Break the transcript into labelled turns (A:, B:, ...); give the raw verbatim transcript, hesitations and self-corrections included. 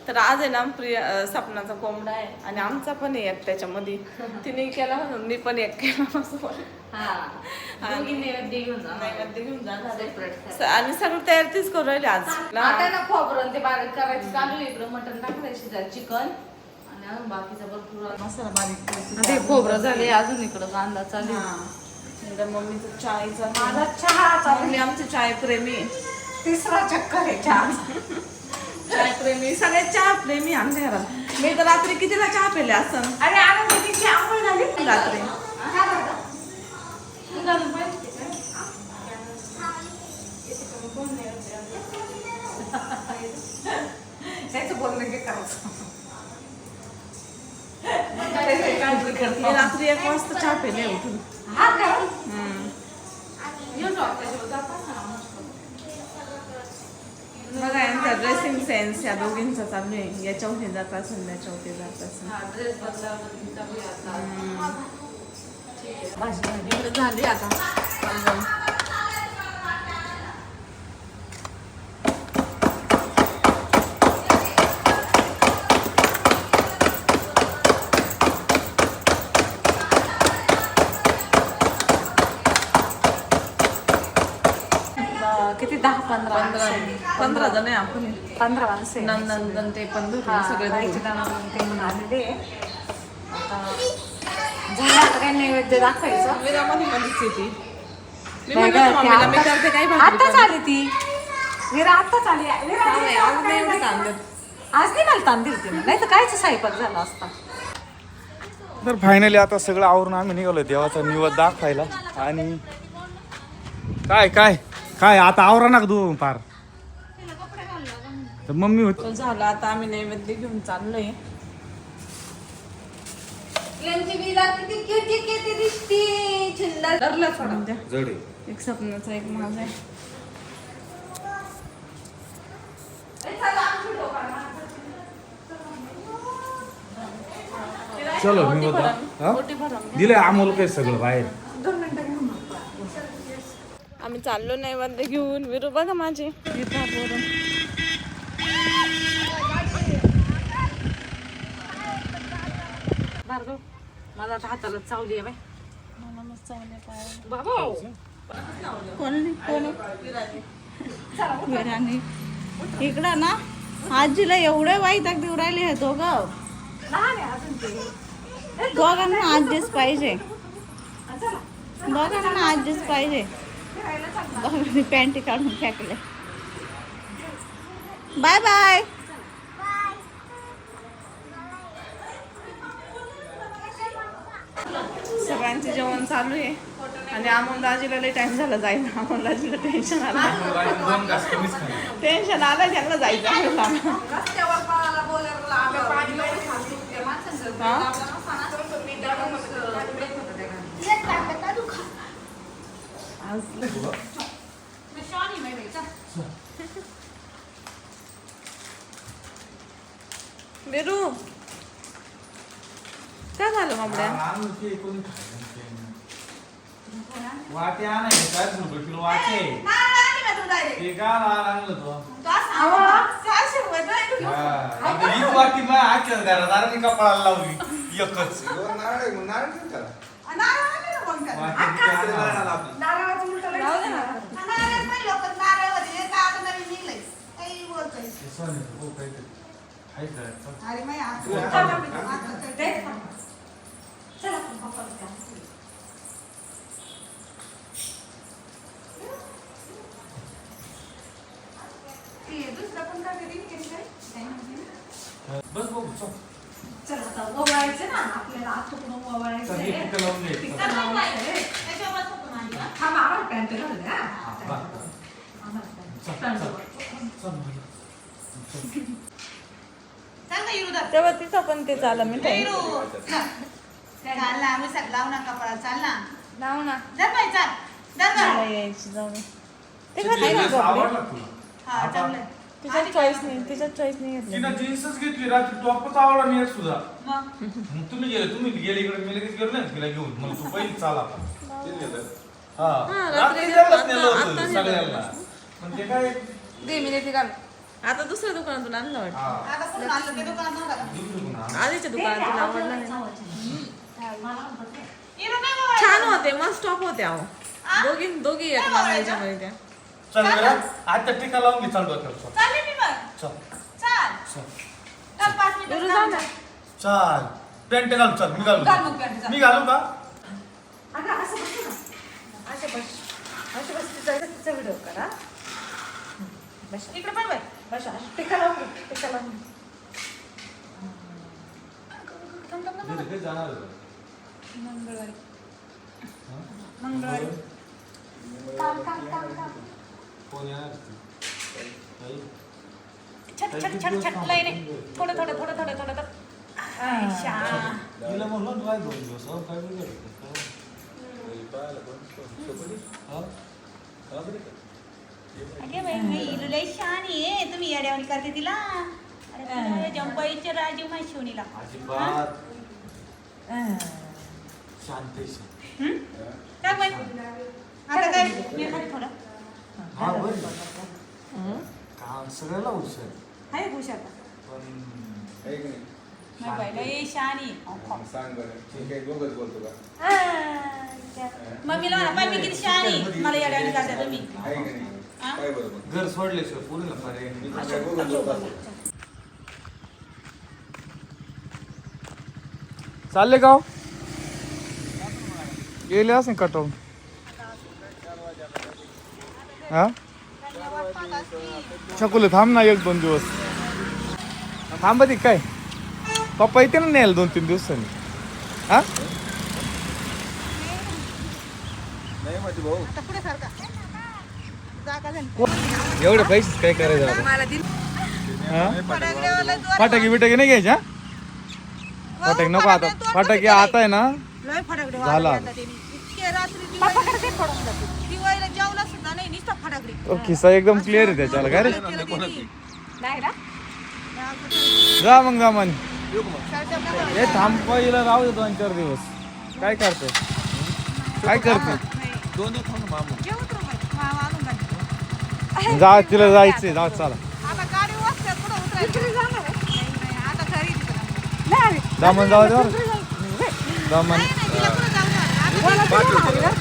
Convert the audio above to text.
A: तर आज आहे ना प्रिय सपनाचा कोंबडा आहे आणि आमचा पण आहे एक त्याच्यामध्ये. तिने केला म्हणून मी पण एक केला नैवेद्य घेऊन जाणार आणि सगळं तयार तीच करू राहिले आज.
B: खोबरं ते बारीक करायचं चालू आहे. इकडं मटण टाकायचं, चिकन आणि अजून बाकीचा भरपूर मसाला बारीक. ते खोबरं झाले, अजून इकडं कांदा चालू आहे.
A: मम्मीचं चायचा
B: माझा चहा
A: मम्मी आमचे चाय प्रेमी.
B: तिसरा चक्कर आहे चहा.
A: चाय प्रेमी सगळे चहा प्रेमी आमच्या घरात. मी तर रात्री कितीला चहा पेले असं.
B: अरे आनंद किती आंघोळ झाली
A: रात्री.
B: त्याचं बोलणं काय करायचं.
A: मी रात्री एक वाजता चहा पेले उठून.
B: हा का?
A: बघा यांचा ड्रेसिंग सेन्स या दोघींचा चालू आहे. याच्यावर हे जात असेल, याच्यावर जात असेल.
B: भाजी भाजी झाली आता. किती दहा पंधरा
A: पंधरा पंधरा जण आहे आपण.
B: पंधरा माणसं
A: नंदन ते पण सगळे
B: ते म्हणून आलेले. आता झालं आता काय नैवेद्य दाखवायचं.
A: विरामध्ये मध्येच येते. मी म्हणलं मम्मीला मी करते काही भाजी.
B: आताच आली ती विरा, आताच आली.
A: आज नाही एवढं तांदूळ.
B: आज नाही मला तांदूळ दिली, नाही तर कायच स्वयंपाक झाला असता.
C: तर फायनली आता सगळं आवरून आम्ही निघालो देवाचा निवद दाखवायला. आणि काय काय काय आता आवरा ना तू पार. तर मम्मी होती
A: झालं आता आम्ही नैवेद्य घेऊन चाललोय. एक सपनाचा एक माझा आहे.
C: चलो मी दिले अमोल काय सगळं बाहेर.
A: आम्ही चाललो नैवेद्य घेऊन. विरू बघा माझे
B: मला आता हाताला चावली आहे बाबा.
A: इकडं ना आजीला एवढे वाईट देऊ राहिले हे दोघं. दोघांना आजीच पाहिजे, दोघांना आजीच पाहिजे. दोघांनी पॅन्टी काढून फेकले. Bye bye. सगळ्यांचे जेवण चालू आहे आणि अमोल दाजीला लई टाइम झाला जायला. अमोल दाजीला टेन्शन आलं टेन्शन आलं त्यांना जायचं बेरू. काय झालं मामड्या?
C: वाटे आणायचे काय रुपये किलो वाटे. ते का आणलं तो हीच वाटी मग आख्याच घरात मी कपाळाला लावली एकच. बस बघू
B: चल आता ओवाळायचं ना आपल्याला. आता पण ओवाळायचं हा मामा पॅन्ट घालून
A: तेव्हा तिथं पण ते चाल मी
B: लाव ना कपडा चाल ना
A: लाव ना
B: यायची
A: जाऊ तिच्या चॉईस नाही तिच्या चॉईस नाही
C: तिला जीन्सच घेतली रात्री टॉपच आवडला नाही सुद्धा. तुम्ही गेले तुम्ही गेले इकडे मी लगेच गेलो नाही तिला घेऊन. मला तू पहिली चाल आता. हा रात्री गेलाच नेलं होतं सगळ्यांना. पण ते काय
B: दे मी नेते घाल.
A: आता दुसऱ्या दुकानातून आणलं वाटतं
B: आता कुठून आणलं ते दुकानात नव्हतं का?
A: आधीच्या दुकानात तुला आवडला नाही ना?
B: इकडं नाही बाबा.
A: छान होते मस्त टॉप होते अहो दोघी दोघी एक मागायच्यामध्ये त्या
C: चल बरं आता टीका लावून घे, चल डोक्यावर चल.
B: चालेल मी मग.
C: चल
B: चाल.
C: चल
B: चल, पाच मिनिटं
A: बरं, जा ना.
C: चल पॅन्ट घाल, चल मी घालू
B: घाल मग पॅन्ट, चल.
C: मी घालू का?
B: अगं, असं बसू ना. असं बस. असं बस, तिचा तिचा व्हिडिओ करा. बस, इकडे पण बाई. बस, असं टिका लावून घे, टिका लावून घे. थांब, थांब, थांब.
C: घरी जाणार आहे.
B: मंगळवारी. मंगळवारी. काम, काम, काम, काम.
C: कोण येणार ती? आई?
B: छट, छट, छट, छट. लय नाही. थोडं, थोडं, थोडं, थोडं, थोडं, थोडं. आयशा.
C: तिला म्हणलं ना राय दोन दिवस अहो, काय बिघडलं? हा? हा बरं का?
B: अगे बाई, मी इलू लय शहाणी आहे. तुम्ही येड्यावानी करते तिला. अरे बाई, जंपाईच्या राजीव माहिती शिवणीला.
C: अजिबात शांत आहे, शांत.
B: हं? काय बाई? आता काय? मी खाली थोडं.
C: हा बरं काम सगळ्याला हुशार
B: हाय हुशार का?
C: पण
B: नाही बाई, लय शहाणी.
D: सांग बरं ठीक आहे दोघंच बोलतो का
B: मम्मीला म्हणा, पाय मी किती शहाणी. मला येड्यावानी करते तुम्ही.
D: आहे का नाही
B: हा?
D: काय बरोबर
C: घर सोडल्याशिवाय पुरीला पर्याय नाही.
D: मी तर काय दोघं लोक असतो
C: चालले गाव गेले असं कटवून हा छकुले थांब ना एक दोन दिवस थांबा ती काय पप्पा येते ना न्यायला दोन तीन दिवसांनी हा
D: नाही माझी भाऊ
B: आता पुढे सारखा. जागा झाली.
C: एवढे पैसे काय करायचं आता?
B: मला दिल.
C: हा?
B: फटाकड्यावाला जोर-
C: फटाके बिटाके नाही घ्यायचे हा? फटाके नको आता फटाके आता आहे ना
B: लय फटाकडे
C: झाला.
B: वाजवले आता त्यांनी. इतके रात्री दिवाळीला- दिवाळीला जेवला सुद्धा नाही, नुसतं फटाकडे.
C: तो खिस्सा एकदम क्लिअर आहे त्याच्याला काय रे
B: नाही ना?
C: जा मग जा म्हणे
B: सरच्या नका.
C: हे थांबवायला राहू दे दोन चार दिवस काय करते काय करते
B: नाही.
D: दोन दिवस थांब ना मामा
B: जेवत राहू बाई. मामा आणून घाल.
C: जा तिला जायचंय जा चला
B: आता गाडी वाजते, कुठं उतरायचं? नाही, नाही, आता घरी तिकडं.
C: दामन जाऊ दे बरं. दामन
B: नाही, नाही, तिला कुठं जाऊ दे. आता